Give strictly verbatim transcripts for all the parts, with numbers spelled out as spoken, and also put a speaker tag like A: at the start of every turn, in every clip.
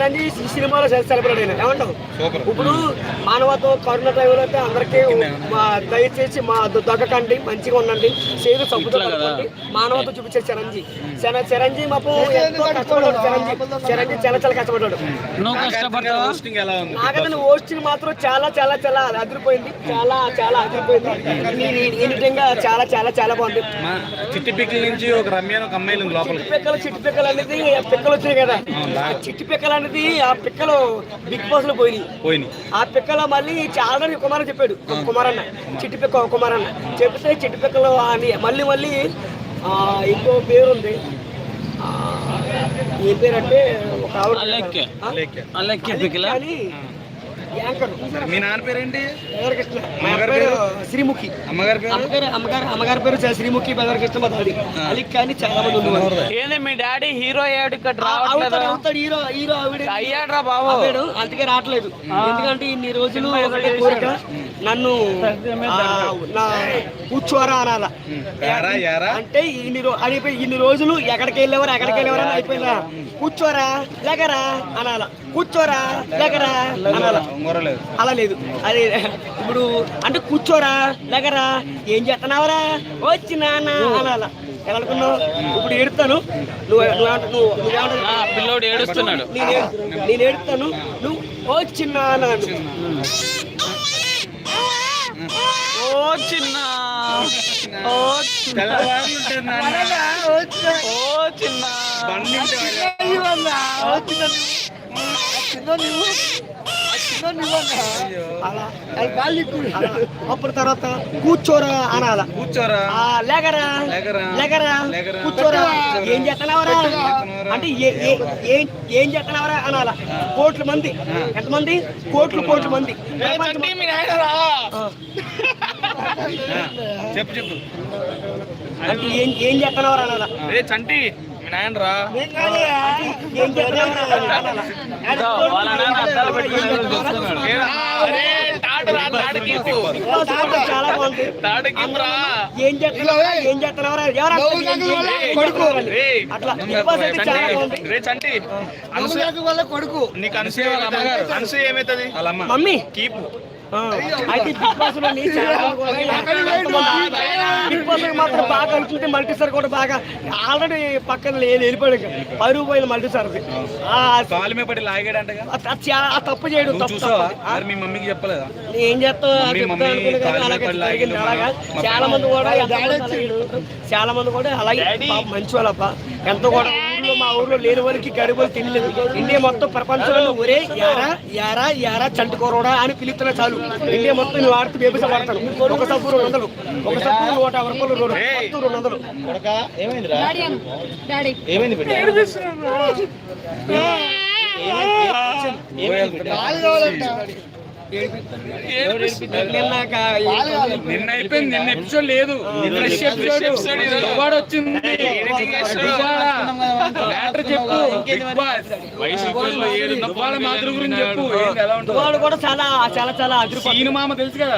A: చిరంజీవి ఈ సినిమాలో సెలబ్రేట్ అయినా ఏమంటావు? ఇప్పుడు మానవత్వం కరుణ టైంలో అయితే అందరికీ దయచేసి మా దగ్గకండి, మంచిగా ఉండండి, సేరు సబ్బుతో కట్టుకోండి, మానవత్వం చూపించే చిరంజీవి. చిరంజీవి మాకు ఎంతో కష్టపడ్డాడు. చిరంజీవి చిరంజీవి చాలా చాలా కష్టపడ్డాడు. నాకైతే హోస్టింగ్ మాత్రం చాలా చాలా చాలా అదిరిపోయింది. చాలా చాలా అదిరిపోయింది. నిజంగా చాలా చాలా చాలా బాగుంది.
B: చిట్టి పిక్కల నుంచి ఒక రమ్య ఒక అమ్మాయిలు లోపల
A: పిక్కలు చిట్టి పిక్కలు అనేది పిక్కలు వచ్చినాయి కదా. చిట్టి పిక్కలు అనేది ఆ పిక్కలు బిగ్ బాస్ లో పోయినాయి
B: పోయినాయి
A: ఆ పిక్కలు మళ్ళీ చాలా కుమారన్ చెప్పాడు. కుమారన్న చిట్టి పిక్క కుమారన్న చెప్తే చిట్టి పిక్కలు అని మళ్ళీ మళ్ళీ ఇంకో పేరు ఉంది. ఏ పేరు అంటే ఒక
B: మీ నాన్న పేరేంటి?
A: శ్రీముఖి.
B: అమ్మగారి పేరు
A: అమ్మగారు అమ్మగారి పేరు శ్రీముఖి. బెదర్ కృష్ణ అది కానీ చాలా మంది ఉన్నారు.
C: ఏంది మీ డాడీ హీరో అయ్యాడు
A: అవుతాడు హీరో హీరో
C: అయ్యాడ్రా బాబు.
A: అందుకే రావట్లేదు. ఎందుకంటే ఇన్ని రోజులు ఒకటే కోరిక, నన్ను నా కూర్చోరా అనాల. అంటే ఇన్ని రోజు అయిపోయి ఇన్ని రోజులు ఎక్కడికి వెళ్ళేవారు ఎక్కడికి వెళ్ళేవారు అని అయిపోయిందా. కూర్చోరా లేకరా అనాల, కూర్చోరా లేకరా అనాల. అలా లేదు. అది ఇప్పుడు అంటే కూర్చోరా లేకరా ఏం చేస్తున్నావరా వచ్చి నాన్న అనాల. ఎలా అనుకున్నావు? ఇప్పుడు ఏడుతాను, నువ్వు నువ్వు
C: పిల్లోడు ఏడుస్తున్నాడు,
A: నేను ఏడుతాను, నువ్వు వచ్చిన
C: ఓ చిన్న ఓ చిన్న ఓ చిన్న
A: అప్పుడు తర్వాత కూర్చోరా అనాల.
B: కూర్చోరా
A: లేకరా లేకరా కూర్చోరా ఏం చేస్తున్నావరా అంటే ఏం చేస్తున్నావరా అనాల. కోట్ల మంది, ఎంతమంది? కోట్లు కోట్ల మంది.
B: చెప్పు చెప్పు
A: అంటే ఏం ఏం చేస్తున్నావరా అనాల.
C: చంటి మీ నాయన రా.
A: ఏం చేస్తున్నావరా చాలా బాగుంది. ఏం చేస్తున్నావరా ఏం చేస్తున్నావరా కొడుకు అట్లా
C: చంటి
A: కొడుకు.
C: నీకు అనసూయ అమ్మగారు అనసూయ ఏమైతుంది?
A: Mummy
C: keep.
A: అయితే బిగ్ బాస్ లో బిగ్ బాస్ మాత్రం బాగా కలుపుతుంటే మల్టీ స్టార్ కూడా బాగా ఆల్రెడీ పక్కన వెళ్ళిపోయాడు. పరుగు పోయిన మల్టీ స్టార్ తప్పు చేయడు.
B: మీ మమ్మీకి చెప్పలేదా?
A: ఏం చేస్తావు? అలాగా చాలా మంది కూడా చాలా మంది కూడా అలాగే మంచి వాళ్ళప్ప. ఎంతో కూడా ఊర్లో మా ఊర్లో లేని వారికి గడువులు తినలేదు. ఇండియా మొత్తం ప్రపంచంలో ఒరే యారా యారా యారా చంటుకోరడా అని పిలుస్తున్నా చాలు. ఇండియా మొత్తం నువ్వు ఆడుతూ బేబీస పడతాను. ఒక సబ్బు రెండు వందలు, ఒక సబ్బు నూట యాభై రూపాయలు, రెండు రెండు వందలు.
B: నిన్న అయిపోయింది. నిన్న ఎపిసోడ్ లేదు, వచ్చింది.
A: వాళ్ళు కూడా చాలా చాలా చాలా
B: సినిమా తెలుసు కదా,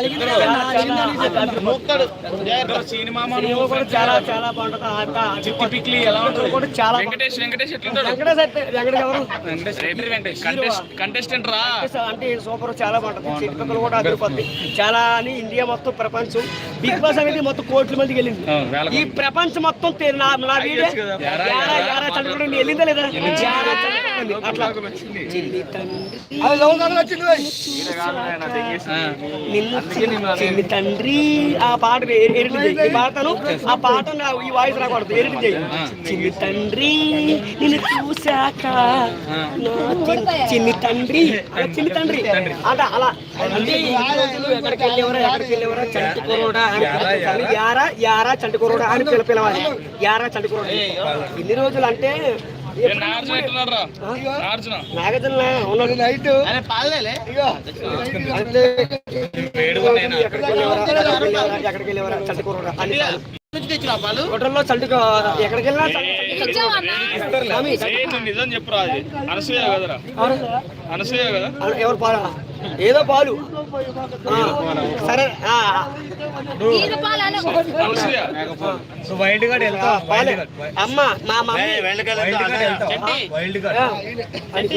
B: సినిమా
A: కూడా చాలా చాలా బాగుంటుంది. ఎలా ఉంటుంది కూడా చాలా
C: వెంకటేష్ వెంకటేష్ కంటెస్టెంట్ రా
A: అంటే సూపర్ చాలా బాగుంటుంది. చిట్టుపక్కలు కూడా అదిరిపోద్ది చాలా అని. ఇండియా మొత్తం ప్రపంచం బిగ్ బాస్ అనేది మొత్తం కోట్ల మందికి వెళ్ళింది. ఈ ప్రపంచం మొత్తం నా వీడియో వెళ్ళిందా లేదా? అట్లా చిన్ని తండ్రి ఆ పాట ఎడిట్ చేయి. పాడతాను ఆ పాట ఈ వాయిస్ రాకూడదు, ఎడిట్ చేయి. చిన్ని తండ్రి నిన్ను చూశాక చిన్ని తండ్రి చిన్ని తండ్రి అంటే అలా. అంటే ఎక్కడికి వెళ్ళేవరా ఎక్కడికి వెళ్ళేవరా చంటుకోరోడా అని యారా యారా చంటుకోరోడా అని పిల్ల పిలవాలి. యారా చంటుకోరోడా ఇన్ని రోజులు అంటే నాగార్జున ఉన్నాడు నైట్ ఎక్కడికి వెళ్ళేవరా చంటుకోరోడా అని. హోటల్లో చల్టుకో ఎక్కడికి వెళ్ళినా
C: నిజం చెప్పురా. అనసూయ కదరా? అనసూయ కదా?
A: ఎవరు పాలా? ఏదో పాలు. సరే అమ్మ మా మమ్మీ